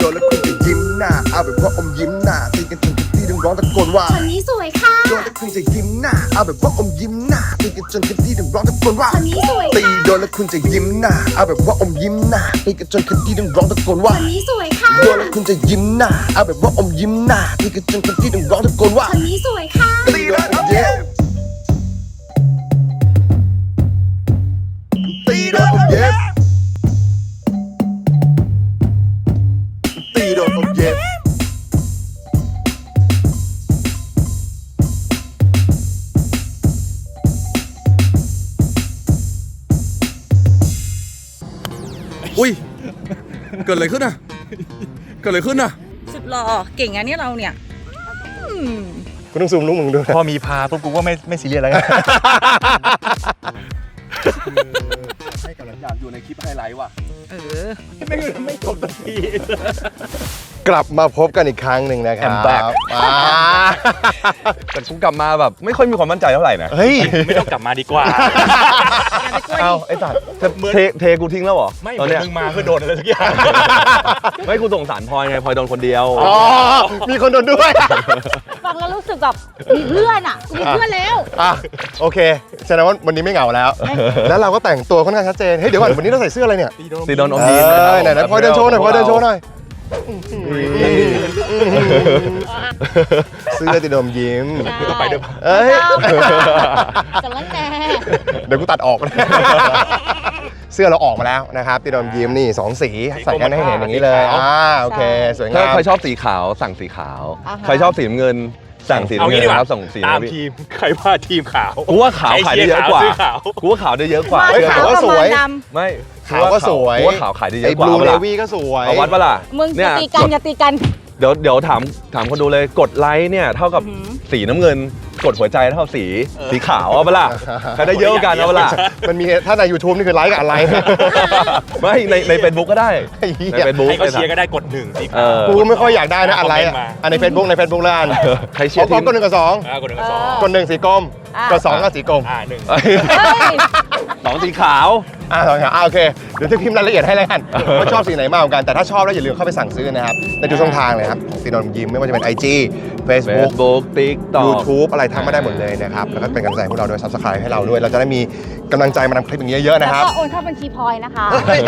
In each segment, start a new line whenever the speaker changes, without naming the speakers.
นแล้วคุณจะยิ้มหน้าเอาแบบว่าอมยิ้มหน้าตีกันจนที่ต้องร้องตะโกนว่า
คนนี้สวยค่ะ
โดนแล้วคุณจะยิ้มหน้าเอาแบบว่าอมยิ้มหน้าตีกันจนที่ต้องร้องตะโกนว่า
คนนี้สวย
ตี
ค่ะ
โดนแล้วคุณจะยิ้มหน้าเอาแบบว่าอมยิ้มหน้าตีกันจนที่ต้องร้องตะโกนว่า
คนนี้สวยค่ะ
โดนแล้วคุณจะยิ้มหน้าเอาแบบว่าอมยิ้มหน้าตีกันจนที่ต้องร้องตะโกนว่า
คนนี้สวยค่ะ
ตีโดนอมเย็บตีโดนอมเย็บตีโดนอมเย็บ
อุ้ยเกิดอะไรขึ้นอ่ะเกิดอะไรขึ้นอ่ะ
สุดหล่อเก่งอะเนี่ยเราเนี่ย
กูต้องซูมลูกมึงด้วย
พอมีพาปุ๊บกูก็ไม่ซีเรียสแล้ว
ให้กำลังอยากอยู่ในคลิปไฮไลท์ว่ะ
ไม่จบสักที
กลับมาพบกันอีกครั้งหนึ่งนะครับ
I'm back แต่กูกลับมาแบบไม่ค่อยมีความมั่นใจเท่าไหร่นะ
เฮ้ย
ไม่ต้องกลับมาดีกว่าเอาไอ้สัตว์เทกูทิ้งแล้วเหรอไม่มึงมาเพื่อโดนอะไรสักอย่างไม่กูสงสารพลอยไงพลอยโดนคนเดียว
อ๋อมีคนโดนด้วย
ฟังแล้วรู้สึกแบบมีเพื่อนอ่ะมีเพื่อนแล้ว
โอเคแสดงว่าวันนี้ไม่เหงาแล้วแล้วเราก็แต่งตัวค่อนข้างชัดเจนเฮ้ยเดี๋ยวก่อนวันนี้เราใส่เสื้ออะไรเนี่ย
ตีโดนอมยิ้ม
ไหนพลอยเดินโชว์หน่อยพลอยเดินโชว์หน่อยเสื้อตีโดนยิ้ม
ไปด้วย
เอ้ย
แต่ละแน่
เดี๋ยวกูตัดออกเสื้อเราออกมาแล้วนะครับตีโดนยิ้มนี่2สีใส่กันให้เห็นอย่างนี้เลยโอเคสวยงาม
ถ้าใครชอบสีขาวสั่งสีขาวใครชอบสีน้ำเงินสั่งสีน้ำเงินนะครับส่งสี
ตามทีมใครว่าทีมขาว
กูว่าขาวขายได้เยอะกว่ากูว่าขาวได้เยอะกว่า
ขาวก็สวย
ไม่
ขาวก็สวย
กูว่าขาวขายได้เยอะกว่า
ไอ้บลูเนวี่ก็สวย
เอาวัดปะล่ะ
มึงจะตีกันอย่าตีกัน
เดี๋ยวถามคนดูเลยกดไลค์เนี่ยเท่ากับสีน้ำเงินกดหัวใจเท่าสีขาวเอาปะล่ะใครได้เยอะกันเอาปะล่ะ
มันมีถ้าใน YouTube นี่คือไลค์กับอะไร
ไม่ใน Facebook ก็ได้ใน Facebook
ให้เขาเชียร์ก็ได้กด1สีขาว
กูไม่ค่อยอยากได้นะอะไรใน Facebook ใน Facebook แล้วอัน
ใครเชียร์ทีม
กด1กับ2
กด1กับ2
กด1สีกรมกด2ก็สีกรม
2สีขาว
2สีขาวโอเคเดี๋ยวจะพิมพ์รายละเอียดให้แล้วกันว่าชอบสีไหนมากกว่ากันแต่ถ้าชอบแล้วอย่าลืมเข้าไปสั่งซื้อนะครับในทุกช่องทางเลยครับตีโดนยิ้มไม่ว่าจะเป็น IG Facebook
TikTok
YouTube อะไรทำมาได้หมดเลยนะครับแล้วก็เป็นกำลังใจให้พวกเราด้วย Subscribe ให้เราด้วยเราจะได้มีกำลังใจมาทำคลิปอย่างนี้เยอะๆนะครับ
แล้วก็โอนเข้าบัญชีพลอยนะคะ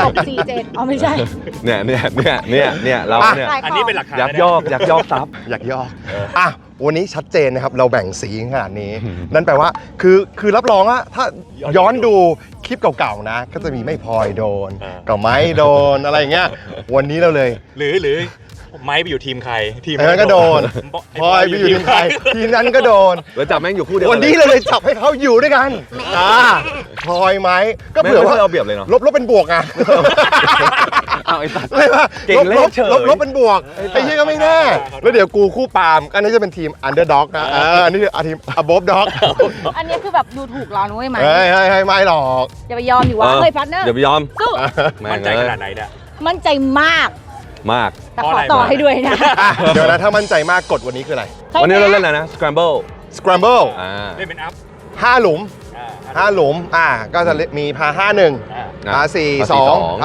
647ไม่ใช่
เนี่ยเราเนี่ย
อันนี้เป็นหลักฐาน
ยักยอกทรัพย์
อยากยอกวันนี้ชัดเจนนะครับเราแบ่งสีขนาดนี้นั่นแปลว่าคือรับรองว่าถ้าย้อนดูคลิปเก่าๆนะก็จะมีไม่พลอยโดนกับไม้โดนอะไรอย่างเงี้ยวันนี้เราเลย
หรือไม้ไปอยู่ทีมใครทีม
นั้นก็โดนพลอยไปอยู่ทีมใครทีมนั้นก็โดน
แล้วจับแม่งอยู่คู่เดียว
วันนี้เราเลยจับให้เขาอยู่ด้วยกันพลอยไม้ก็เผื่อว่า
เอาเปรียบเลยเนาะ
ลบเป็นบวกไง
เอาไอ้สัตว์
เลยว่าลบเป็นบวกไอ้เหี้ยก็ไม่แน่แล้วเดี๋ยวกูคู่ปาล์มอันนี้จะเป็นทีม Underdog นะอันนี้คือทีม Above Dog
อันนี้คือแบบดูถูกเรานุ้ยไหม
ให้ไม่หรอก
อย่าไปยอมดิวะเฮ้ยพัดเนอร์
อย่าไปยอม
สู้
มั่นใจขนาดไหนเนี่ย
มั่นใจมากแต่ขอต่อให้ด้วยนะ
เดี๋ยวนะถ้ามั่นใจมากกดวันนี้คืออะไร
วันนี้เราเล่นอะไรนะ Scramble
เล่นเป็นอัพ
5 หลุมก็จะมีพา51พา42พา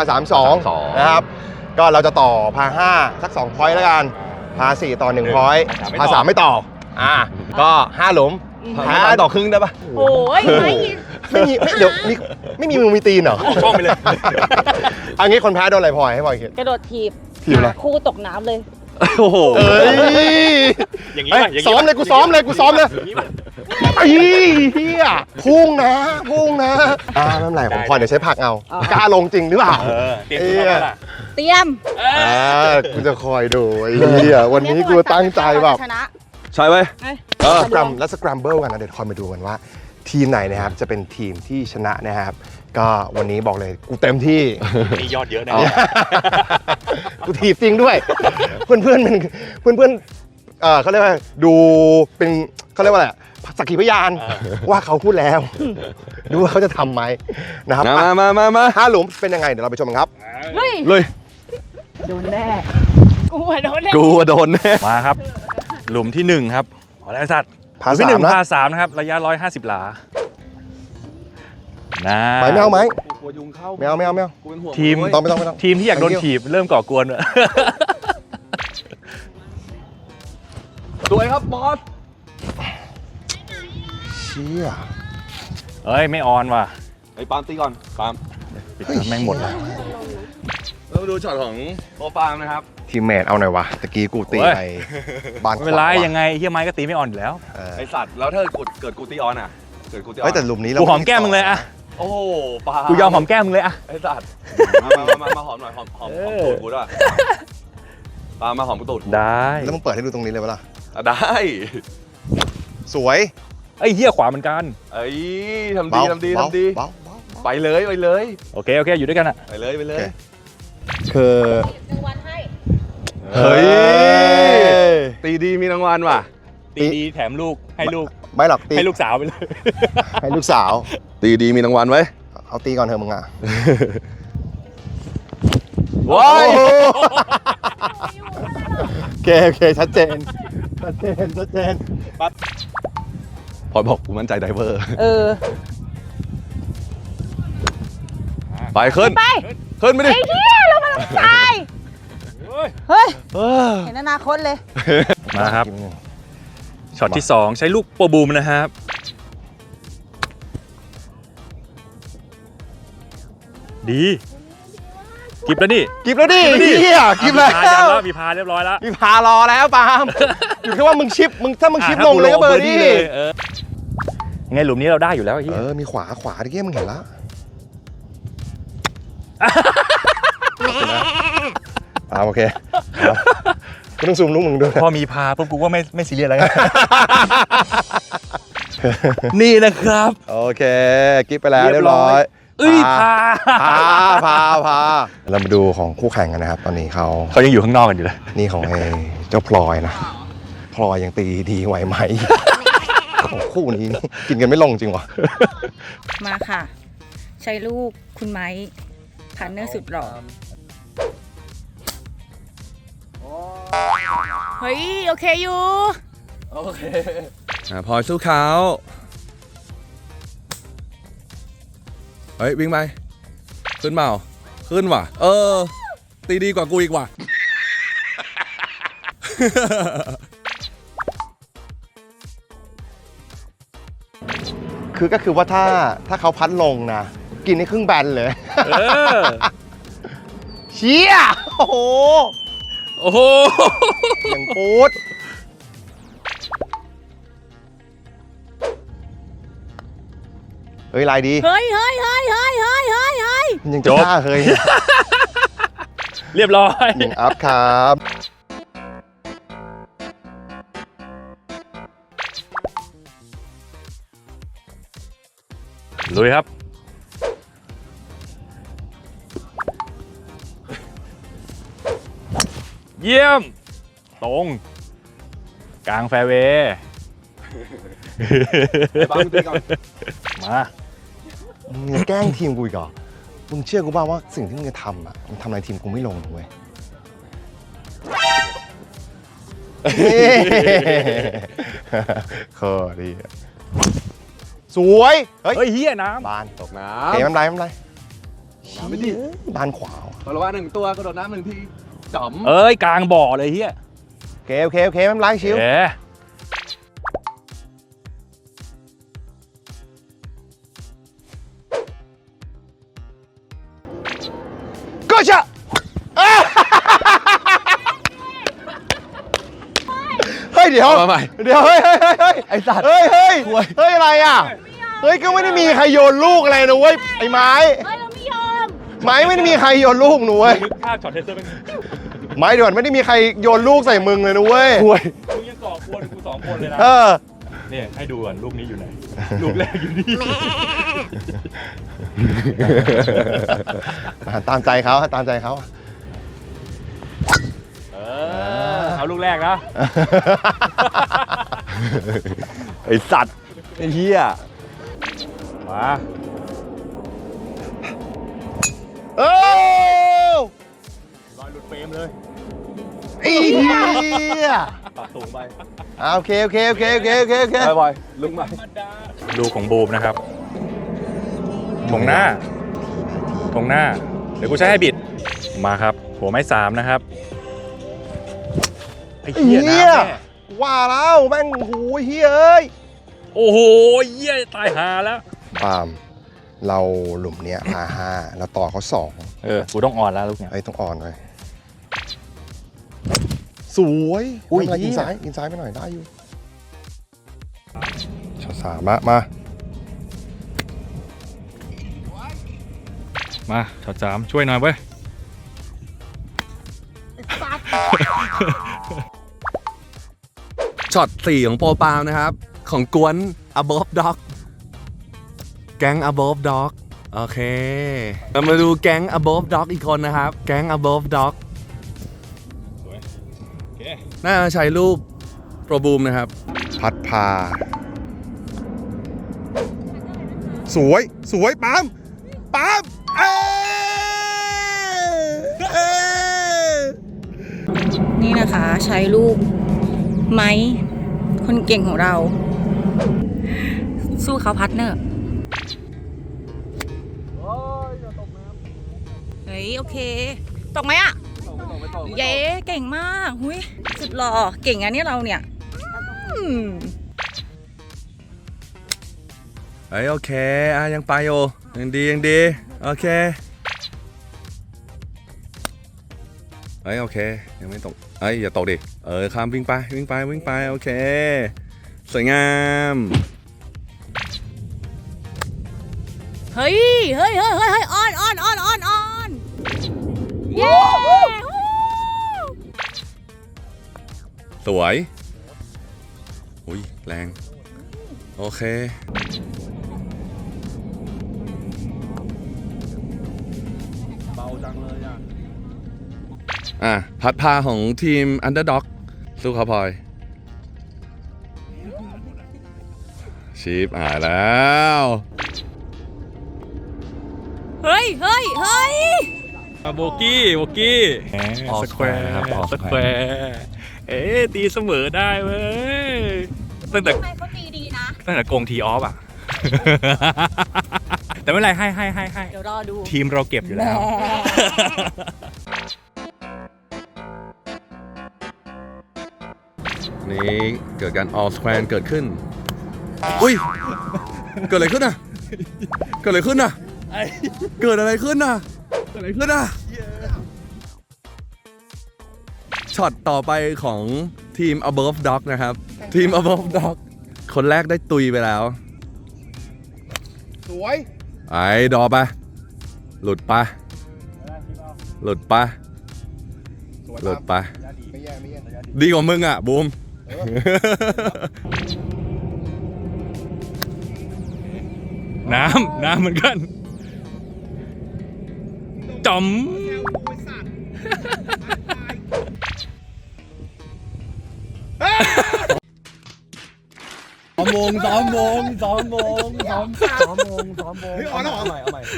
32นะครับก็เราจะต่อพา5สัก2 พอยต์แล้วกันพา4ต่อ1 พอยต์พา3ไม่ต่อก็5 หลุม
พาต่อครึ่งได้ปะ
โอ้ย
ไม่เดี๋ยวไม่มีมือมีตีนเหรอ
ช่องไปเลย
อันนี้คนแพ้โดนอะไรพลอยให้พลอยคิด
กระโดดถีบ
อะไร
คู่ตกน้ำเลย
โอ้โห
อย่างนี้
ซ้อมเลยกูซ้อมเลยไอ้เหี้ยพุ่งนะไม่เป็นไรผมพอเดี๋ยวใช้ผักเอากล้าลงจริงหรือเปล่า
เตรียม
กูจะคอยดูไอ้เหี้ยวันนี้กูตั้งใจแบบ
ใช่ไหม
แล้วสแครัมเบิลกันนะเดี๋ยวคอยมาดูกันว่าทีมไหนนะครับจะเป็นทีมที่ชนะนะครับก็วันนี้บอกเลยกูเต็มที่
มียอดเยอะนะ
กูถีบจริงด้วยเพื่อนเขาเรียกว่าดูเป็นเขาเรียกว่าอะไรสักขีพยานว่าเขาพูดแล้วดูว่าเขาจะทำไหมนะครับ
มา
5 หลุมเป็นยังไงเดี๋ยวเราไปชมกันครับ
เลย
โดนแน่กูโด
นแน่
มาครับหลุมที่1ครับขอแรกสัตว์
พา
3นะครับระยะ150 หลา
ไม่เอาไหมไม่เอา
ทีมที่อยากโดนถีบเริ่มก่อกวน
สวยครับบอส
เชี่ย
เอ้ย ไม่ออนว่ะ
ไอ้ปาล์มตีก่อนปาล์ม
ปิดแม่งหมดแล้ว
เรามาดูช็อตของโอปาล์มนะครับ
ทีมเมทเอาหน่อยวะตะกี้กูตี
โอ้ย
ไปบานข
ไม่เป็นไร
วาว่ะ
ยังไงเฮียไม้ก็ตีไม่ออนอยู่แล้ว
เออ
ไอสัตว์แล้วถ้าเกิดกูตีออนอ่ะเกิดกูตีออน
เฮ้ยแต่หลุมนี้เรา
กูหอมแก้มมึงเลยอะ
โอ้โหปาล์ม
กูยอมหอมแก้มมึงเลยอะ
ไอสัตว์มาหอมหน่อยหอม
เออ
ตูดกูด้วยปาล์มมาหอมตูดกู
ได้
แล้วมึงเปิดให้ดูตรงนี้เลยปะล่ะ
อ่ะได้
สวย
ไอ้เฮียขวาเหมือนกัน
เอ้ยทำดีทำดี
เบา
ทำดี
เบาเบา
ไปเลยไปเลย
โอเค โอเค อยู่ด้วยกันอะ
ไปเลยไปเลย
คือ
รางวัลให้
เฮ้ยตีดีมีรางวัลว่ะ
ตีดีแถมลูกให้ลูก
ไม่หรอกตี
ให้ลูกสาวไปเลย
ให้ลูกสาว
ตีดีมีรางวัลไว้
เอาตีก่อนเถอะมึงอ่ะ
ว้าย
โอเคโอเคชัดเจนชัดเจนชัดเจน
พลอยบอกกูมั่นใจไดเวอร์
เออ
ไปขึ้น
ไป
ขึ้นไปดิ
ไอ้เหี้ยเรามาลงทรายเฮ้ย เห็นอนาคตเลย
มาครับ ช็อตที่ 2 ใช้ลูกโปรบูมนะครับ ดีกิบแล้วนี่
กิบแล้วดิเฮียกิบแล้ว
มีพาเรียบร้อยแล้ว
มีพารอแล้วปาล์มอยู่แค่ว่ามึงชิปมึงถ้ามึงชิปลงเลยก็เบอร์ดี้
เลยยังไงหลุมนี้เราได้อยู่แล้วไอ้เหี้ย
มีขวาตะกี้มึงเห็นละโอเคก็ต้องซูมลูกมึงด้วย
พอมีพาปุ๊บกูก็ไม่ซีเรียสแล้วไง นี่นะครับ
โอเคกิบไปแล้วเรียบร้อย
เอ้ยพา
พาเรามาดูของคู่แข่งกันนะครับ ตอนนี้เขา
เขายังอยู่ข้างนอกกันอยู่เลย
นี่ของไอ้เจ้าพลอยนะพลอยยังตีดีไหวไหมโอ้โหคู่นี้นี่กินกันไม่ลงจริงวะ
มาค่ะ ใช้ลูกคุณไม้พาร์ทเนอร์สุดหล่อเฮ้ย โอเคอยู่
โอเคพลอยสู้เขาเฮ้ยวิ่งไปขึ้นเปล่าขึ้นว่ะตีดีกว่ากูอีกว่ะ
ก็คือว่าถ้าเขาพัดลงนะกินให้ครึ่งแบนเลย
เออ
เชี่ยโอ้โห
โอ้โห
อย่างปูดเฮ้ยลายดี
เฮ้ยเฮ้ยเฮ้ยเฮ้ยเฮ้ยเฮ้ยเฮ้ย
มันยังจะฆ่าเฮ้ย
เรียบร้อย
หนึ่งอัพครับ
ลุยครับ เยี่ยม ตรง กลางแฟร์เวย์
บ้ามึงตีก่อน
มา
มึงจะแกล้งทีมกูอีกเหรอมึงเชื่อกูบ้างว่าสิ่งที่มึงจะทำอ่ะมึงทำอะไรทีมกูไม่ลงนะเว้ยข้อดีอะสวยเฮ้ย
เฮ้ยเฮียน้
บานตก
น้
เก๋มันไรมันไร
ำไม่ดี
บานขวา
พลอยว่า1 ตัวกระโดดน้ำ1 ทีจ๋อม
ำเอ้ย กลางบ่อเลยเฮีย
โอเคไม่เป็นไรชิว
เอ๊ะ
ก็ชะเฮ้ยเดี๋ยว
มาใหม่
เดี๋ยวเฮ้ยไอสัตว์เฮ้ยอะไรอ่ะเฮ้ยก็ไม่ได้มีใครโยนลูกอะไรนะเว้ยไอ้ไม้
เฮ้ย เราไม่ยอม
ไม้ไม่ได้มีใครโยนลูกหนูเว้ย
นึกภาพช็อตเทสเตอร์เป็น
ไม้เดี๋ยวไม่ได้มีใครโยนลูกใส่มึงเลยนะเว้ย
มึงยังก่อกวนกู2 คนเลยนะ
เออ
เนี่ยให้ดูก่อนลูกนี้อยู่ไหน ลูกแรกอยู่นี่
ตามใจเขาตามใจเขา
เอาลูกแรกนะ
ไอสัตว์ไอเหี้ย
มา
เออ
ลอยหลุดเฟรมเลย
ไอ้เหี้ย
ปรับสูงไป
โอเค
ไปบอยลุกมา
ลูกของบูมนะครับถงหน้า เดี๋ยวกูใช้ให้บิด มาครับ หัวไม้3นะครับ ไอ้เหี้ยน้ำแน่
ว่าแล้วแม่งโอ้ยเฮ้ย
โอ้โหเยี่ยตายหาแล้ว
ปาล์มเราหลุมเนี้ยพา5เราต่อเขา2
กูต้องอ่อนแล้วลูกเนี่ย
ไอ้ต้องอ่อนเลยสวยอุ้ยกินซ้ายไปหน่อยได้อยู่ช็อต3มา
มาช็อต3ช่วยหน่อยเว้ย
ช็อต4ของโปรปาล์มนะครับ ของกวน above dog แก๊ง above dog โอเคเรามาดูแก๊ง above dog อีกคนนะครับ แก๊ง above dog น่าจะใช้ลูกโปรบูมนะครับ
พัดพาสวยปาล์ม
นี่นะคะใช้ลูกไม้คนเก่งของเรา สู้เขาพาร์ทเนอร์เฮ้ยโอเคตกไหมอ่ะเย้เก่งมากหุยสุดหล่อเก่งอันนี้เราเนี่ย
เฮ้ยโอเคยังไปอยู่ยังดีโอเคเฮ้ยโอเคยังไม่ตกอย่าตกดิข้ามวิ่งไปโอเคสวยงาม
เฮ้ยออนเย้
สวยอุ้ยแรงโอเคเบาจังเลยพัดพาของทีม Underdog สู้เขาพลอยชีพแล้ว
เฮ้ย
โบกี้สแควร์ครับสแควร์ตีเสมอได้เว้ยตั้งแต่
เขาตีดีนะ
ตั้งแต่โกงทีออฟอ่ะ แต่ไม่เป็นไรให้
เดี๋ยวรอดู
ทีมเราเก็บอยู่แล้ว
นี่เกิดการ all square เกิดขึ้นอุ้ยเกิดอะไรขึ้นอ่ะช็อตต่อไปของทีม above dog นะครับทีม above dog คนแรกได้ตุยไปแล้ว
สวย
ดอไปหลุดไป
ไม่แย่
ดีกว่ามึงอ่ะบูม
น้ำเหมือนกันจอม
2 โมง
เฮ้ยอ่อนแล้วเหรอ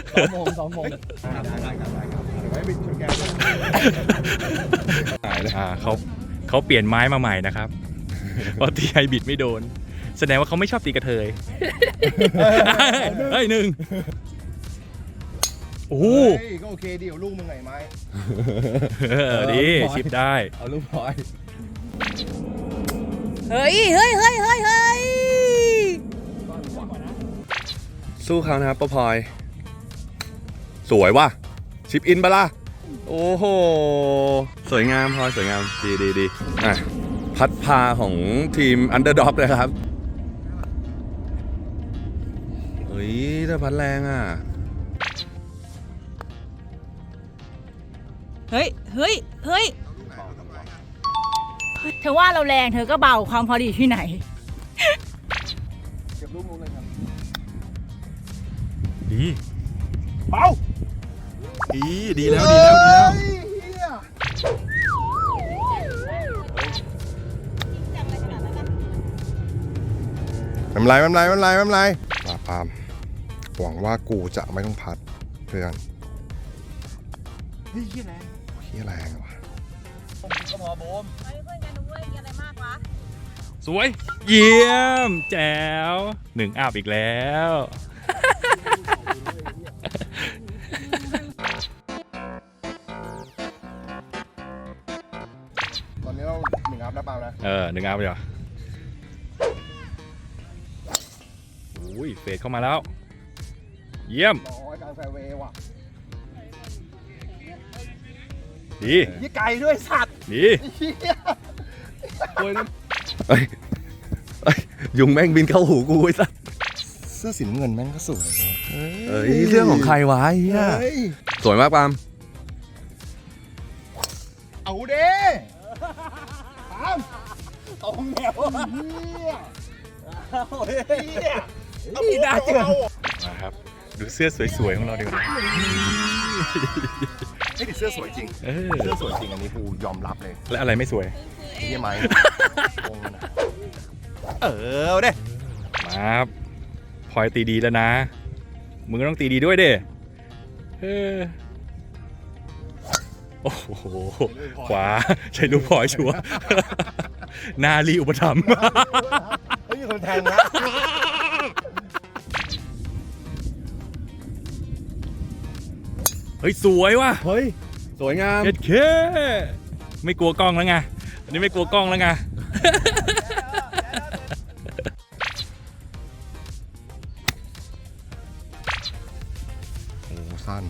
เขาเปลี่ยนไม้มาใหม่นะครับเพราะตีไฮบิดไม่โดน แสดงว่าเขาไม่ชอบตีกระเทยเฮ้ยหนึ่งโอ้โห
ก็โอเคดีกว่าลูกมึงไงไม้
ดีชิปได้
เอาลูกพลอย
เฮ้ย
สู้เขานะครับป้าพลอยสวยว่ะชิปอินปะล่ะโอ้โหสวยงามพลอยสวยงามดีพัดพาของทีม Underdog นะครับเฮ้ยถ้าพัดแรงอ่ะ
เฮ้ยเธอว่าเราแรงเธอก็เบาความพอดีที่ไหน
ดีเบาดีแล้ว
ไม่เป็นไรปาล์มหวังว่ากูจะไม่ต้องพัดเพื่อนเฮ้ยแรงว่ะ
สวยเยี่ยมแจ๋ว1 อัพอีกแล้ว
ตอนนี้เรา 1 อัพนะปาล์มนะ
1 อัพเลยเหรออุ้ยเฟดเข้ามาแล้ว เยี่ยม
ร้อยกลางแฟร์เวย์ว่ะ
ดี
ยี่ไก่ด้วยสัตว์
ดี
เอ้ยยุงแม่งบินเข้าหูกูไอ้สัส
เสื้อสีน้ำเงินแม่งก็สวย
เอ้ยเรื่องของใครวะไอ้เหี้ยสวยมากปาล์ม
เอาเด้ปาล์มตรงแนวนี่ได้เจอ
มาครับ ดูเสื้อสวยๆของเราดีกว่า
ไอ้เสื้อสวยจริง เสื้อสวยจริงอันนี้กูยอมรับเลย
และอะไรไม่สวย
ไอ้เหี้ยไหมงงนะเอาเด้
มาครับพลอยตีดีแล้วนะ มึงก็ต้องตีดีด้วยเด้โอ้โห ขวา ใช้ลูกพลอยชัวร์นาลีอุปถัมภ์
เฮ้ยมีคนแทงนะ
เฮ้ย สวยว่ะ
เฮ้ยสวยงาม
เอ็ดเคไม่กลัวกล้องแล้วไง อันนี้ไม่กลัวกล้องแล้วไง
โอ้สั้น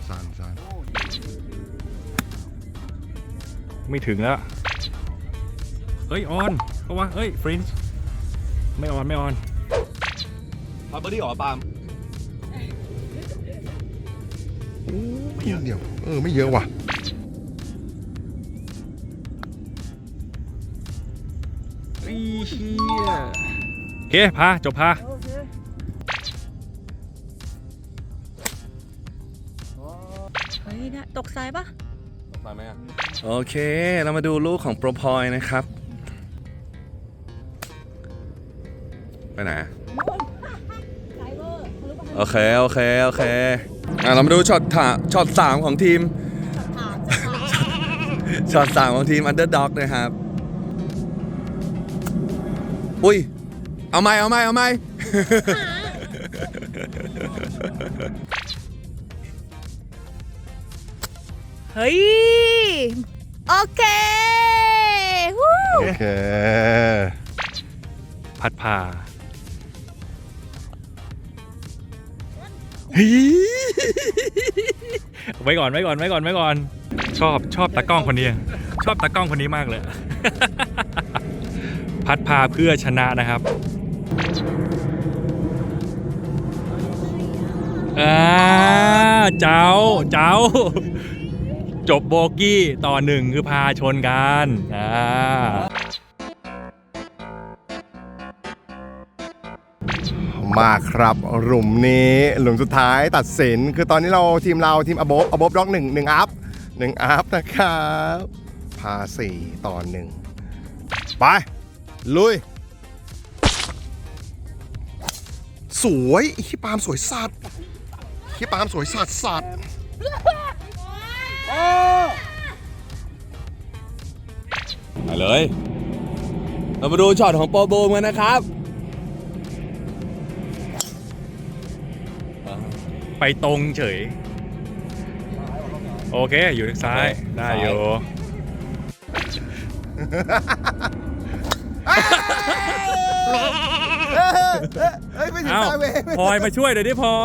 ไม่ถึงแล้ว เฮ้ย ออนเพราะว่าเฮ้ย ฟรินช์ไม่ออน
ปาล์มเบอร์ดี้หรอปาล์ม
ไม่เยอะเดียวไม่เยอะว่ะ
โอเค พา จบพา
เฮ้ยนะตกซ้ายปะ
ตามไหมอ่ะโอเค เรามาดูลูกของโปรพอยนะครับ ไปไหน โอเคเรามาดูช็อต3ของทีม ช็อต3ของทีม Underdog นะครับ อุ้ย เอาไหม
เฮ้ย โอเควู้
โอเค
พัดพา ไว้ก่อน ชอบตากล้องคนนี้ ชอบตากล้องคนนี้มากเลย พัดพาเพื่อชนะนะครับเจ้า จบโบกี้ต่อ 1 คือพาชนกัน
มาครับหลุมนี้หลุมสุดท้ายตัดสินคือตอนนี้ทีมอบอบด็อก1 อัพนะครับพา4 ต่อ 1 ไป ลุย สวยขี้ปาล์มสวยสัตว์สัตว์
ไปเลย เรามาดูช็อตของโปรโบมกันนะครับ
ไปตรงเฉย โอเค อยู่ทางซ้าย ได้อยู่
เฮ้ยไม่ถึง
เอ้า
ตาเว
พลอยมาช่วยเดี๋ยวดิพลอย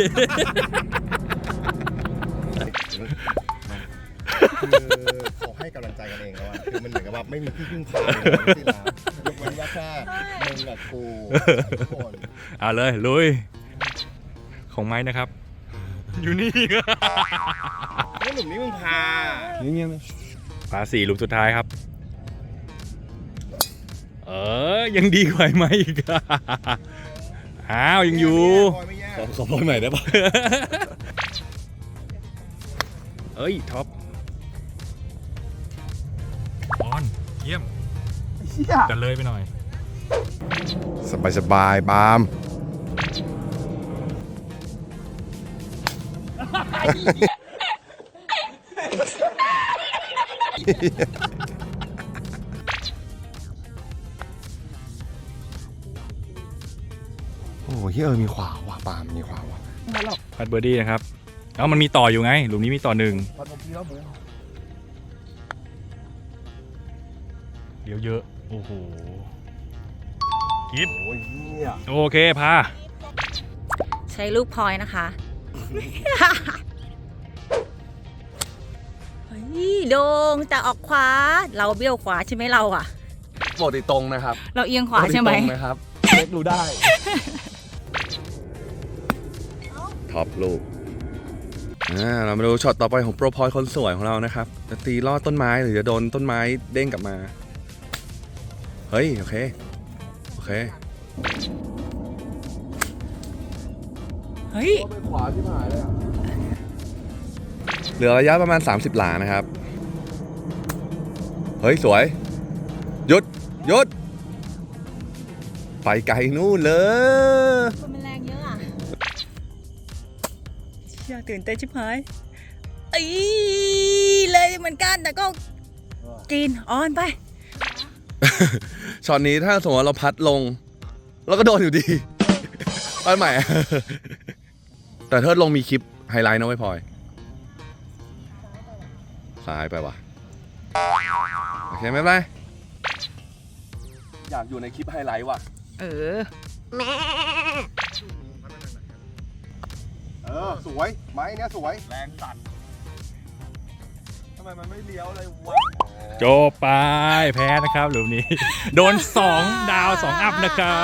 เขาให้กำลังใจกันเองแล้วอะคือมันเหมือนกับว่าไม่มีที่พึ่งพาเลยที่ร้านยกเว้นว่าแค่มึงกับกูทุกคน
เอาเลย ลุย ของไม้นะครับ อยู่นี่
นี่หนุ่มนี่มึงพา
พา4 หลุมสุดท้ายครับ ยังดีกว่าไหมอีกอะอ้าว ยังอยู่
ขอพอยใหม่ได้ปะ
เอ้ย ท็อปออน เยี่ยมจะเลยไปหน่อย
สบายบาม โอ้โหเฮ้ยมีขวาว่ะปาล์มมีขวาว่ะ
พัดเบอร์ดี้นะครับ มันมีต่ออยู่ไง หลุมนี้มีต่อ 1 เดี๋ยวเยอะ โอ้โหกิฟ
โอ้ยเนี่ย
โอเคพา
ใช้ลูกพลอยนะคะ เฮ้ยโดงจะออกขวา เราเบี้ยวขวาใช่ไหมเราอะ
ปกติตรงนะครับ
เราเอียงขวาใช่ไหม
ปกติตรงนะครับเล็กรู้ได้ ท็อปลูกเรามาดูช็อตต่อไปของโปรพอยคนสวยของเรานะครับ จะตีลอดต้นไม้หรือจะโดนต้นไม้เด้งกลับมา เฮ้ย โอเค โอเค
เฮ้ย
เหลือระยะประมาณ 30 หลานะครับ เฮ้ย สวย หยุด หยุด ไปไกลนู่นเลย
คนมันแรงเยอะอะอยากตื่นเต้นชิบหายเลยเหมือนกันแต่ก็กินออนไป
ช็อตนี้ถ้าสมมติว่าเราพัดลง เราก็โดนอยู่ดี ไปใหม่ แต่เทิดลงมีคลิปไฮไลท์นะไม่พลอยซ้ายไปว่ะ โอเคไม่เป็นไรอยากอยู่ในคลิปไฮไลท์ว่ะ
เออ
สวยไม้เนี้ยสวย
แรงสั่นทำไมมันไม่เลี้ยวเลยวะ
โจไปแพ้นะครับหลุมนี้ โดน 2 ดาว 2 อัพนะครับ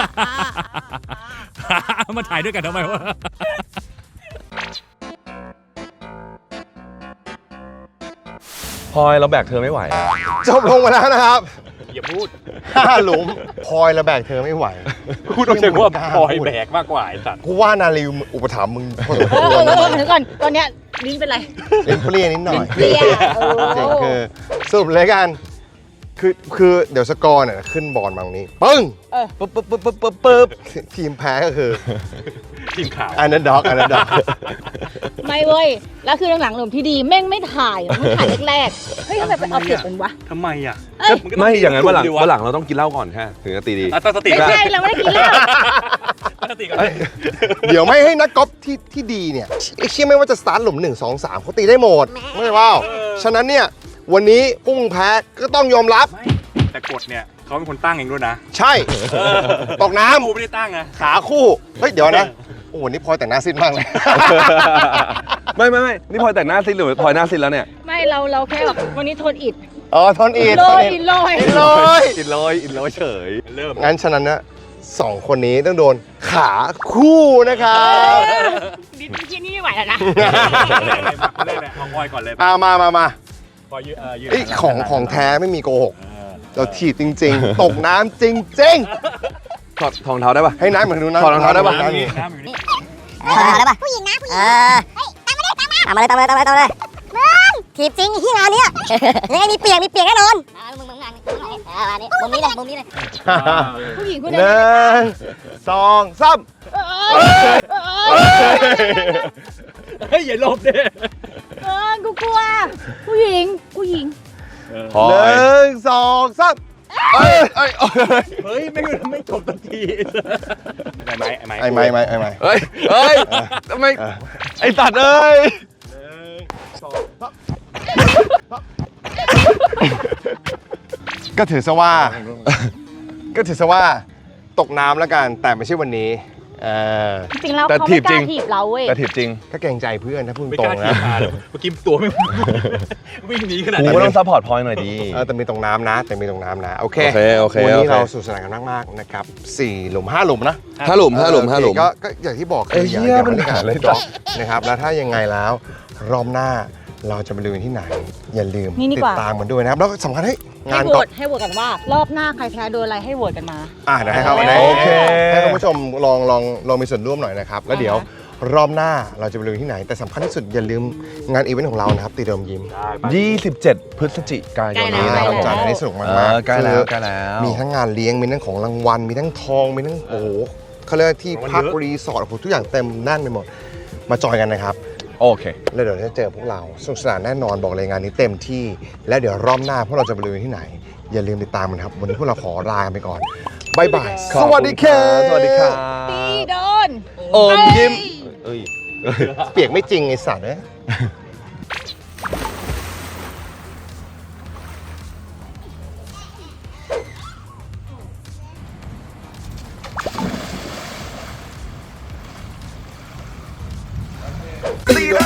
มาถ่ายด้วยกันทำไมวะ
พลอยเราแบกเธอไม่ไหวอะ
จบลงมาแล้วนะครับ
อย่าพูด
5 หลุมพลอยระแบกเธอไม่ไหว
พูดต้องใช้ว่าพลอยแบกมากกว่าไอ้สัตว์
กูว่านาลีอุปถัมภ์มึงพอสม
เอ
ควร
อ
นะ
เดี๋ยวก่อนตอนเนี้ยลิ้นเป็นไร
เล่นเปรี้ยนิดหน่อย
เปรี้ยโอ้
จริงคือสรุปเลยกันคือเดี๋ยวสกอร์เนี่ยขึ้นบอลมาตรงนี้ปึ้งปึ๊บปึ๊บปึ๊บปึ๊บปึ๊บปึ๊บทีมแพ้ก็คือ
ทีมข่าว
อันนั้นด็อกอันนั้นด็อก
ไม่เว้ย แล้วคือหลังๆหลุมที่ดีแม่งไม่ถ่ายมันถ่ายแรกๆ เฮ้ยทำไมไปเอาเปรียบเป็นวะ
ทำไมอ่ะ
เอ้ย
ไม่อย่างนั้นวันหลังเราต้องกินเหล้าก่อนแค่ถึงจะตีดี
ตั้งสติ
ไม่ใช่เราไม่ได้กินเหล้า
ตั้งสติก่อน
เดี๋ยวไม่ให้นักกอล์ฟที่ดีเนี่ยไอ้เชี่ยไม่ว่าจะสตาร์ทหลุม1 2 3เขาตีได้หมดไม่ใช่เปล่าฉะนั้นเนี่ยวันนี้พุ่งแพ้ก็ต้องยอมรับ
แต่กฎเนี่ยเขาเป็นคนตั้งเองด้วยนะ
ใช่ตกน้
กูไม่ได้ตั้งนะ
ำขาคู่เฮ้ยเดี๋ยวนะโอ้โหนี่พลอยแต่งหน้าซิดมากเลย
ไม่นี่พลอยแต่งหน้าซิดหรือพลอยหน้าซิดแล้วเนี่ย
ไม่เราแค่แบบวันนี้โทนอิด
อ๋อทอนอีด
โร
ทอน
ย
อีด
โรย
อิดเลย
อินลอยเฉย
เริ่ม
งั้นฉะนั้นนะ2 คนนี้ต้องโดนขาคู่นะครับ
ดินที่นี่ไม่ไหวแล้วนะ
เริ่มเลยเอาพลอยก่อนเลย
มา
พลอยยืนยืน
ไอ้ยของแท้ไม่มีโกหก เราถีบจริง ๆ ตกน้ำจริง
ถอดรองเท้าได้ปะ
ๆ ให้น้ำเหมือนดูนะ
ถอดรองเท้าได้ปะ
น้ำอยู่นี่น้ำอยู่นี่
ได้ป่ะผู้หญิงนะผู้หญิงตามมาเลยมึงถีบจริงที่งานเนี้ยยังไงมีเปียกแน่นอนมึงงานนี้มุมนี้เลย
ผู้หญิงคน
ห
นี้
นึ่งสองสาม
เฮ้ยอย่าหลบเด้
กูกลัว ผู้หญิง
พลอ
ห
ย
นึ่งสองสามเอ้ย
เฮ้ยไม่จบสักทีไอ้ไม้
ไอ้ไม้
เฮ้ยทำไมไอ้ตัดเอ้ย
ก็ถือซะว่าตกน้ำแล้วกันแต่ไม่ใช่วันนี้
จริงแล้ว
แต่
เขา
ถี
ไม่
บ
ก
จริ
ล้าง ถีบเราเว้ย
แต่ถีบจริง
ก็เกรงใจเพื่อนถ้าพูด
ไม่
ตร
ก
ง
ล้า
นะ
ทีมาเลยเมื่อกี้ตัวไม่วิ่งหนีขนาด
กู
นั้น
ก็ต้องซัพพอร์ตพลอยหน่อยดี
แต่มีตรงน้ำนะโอเค
โอเค
วันนี้
โอเค
เราสนุกสนานกันมากๆนะครับ4 หลุม 5 หลุมนะ
5 หลุม
โอเคก็อย่างที่บอกคืออย่า
มัน
ไม่
หา
ขาด
เลย
ด็อกนะครับแล้วถ้ายังไงแล้วรอบหน้าเราจะไปลุยที่ไหน อย่าลืม
นี่ดี
ติ
กว่า
ดตามมันด้วยนะครับแล้วก็สำคัญให้
ให้
งาน
โหว
ก่อน
ตให้โหวตกันว่ารอบหน้าใครแพ้โดนอะไรให้โหวตกันมา
เดี๋ยวให้เขาได้
โอเค
ให้ท่านผู้ชมลองมีส่วนร่วมหน่อยนะครับแล้วเดี๋ยวรอบหน้าเราจะไปลุยที่ไหน แต่สำคัญที่สุดอย่าลืมงานอีเวนต์ของเรานะครับตีเดิมยิ้ม
27 พฤศจิกายน
ใกล้
นี้
แล้
นะ
ว
ครับจัดให้สนุกมากๆ
ใกล้แล้ว
คือ
ใกล้แล้ว
มีทั้งงานเลี้ยงมีทั้งของรางวัลมีทั้งทองมีทั้งโอ้โหเขาเรียกว่าที่พักรีสอร์ทโอ้โหทุกอย่างเต็มแน่นไปหมดมาจอยกันนะครับ
โอเค
แล้วเดี๋ยวจะเจอพวกเราสนุกสนานแน่นอนบอกเลยงานนี้เต็มที่ และเดี๋ยวรอบหน้าพวกเราจะไปลุยที่ไหน อย่าลืมติดตามกันครับ วันนี้พวกเราขอลาไปก่อนบายบาย
ขอบ
ส
คุณ
วัสดีครับ
สวัสดีครับ
ตีโดน
โอมยิ้มเอ้ย
เปียกไม่จริงไอ้สัตว์เนี่ยตีนะ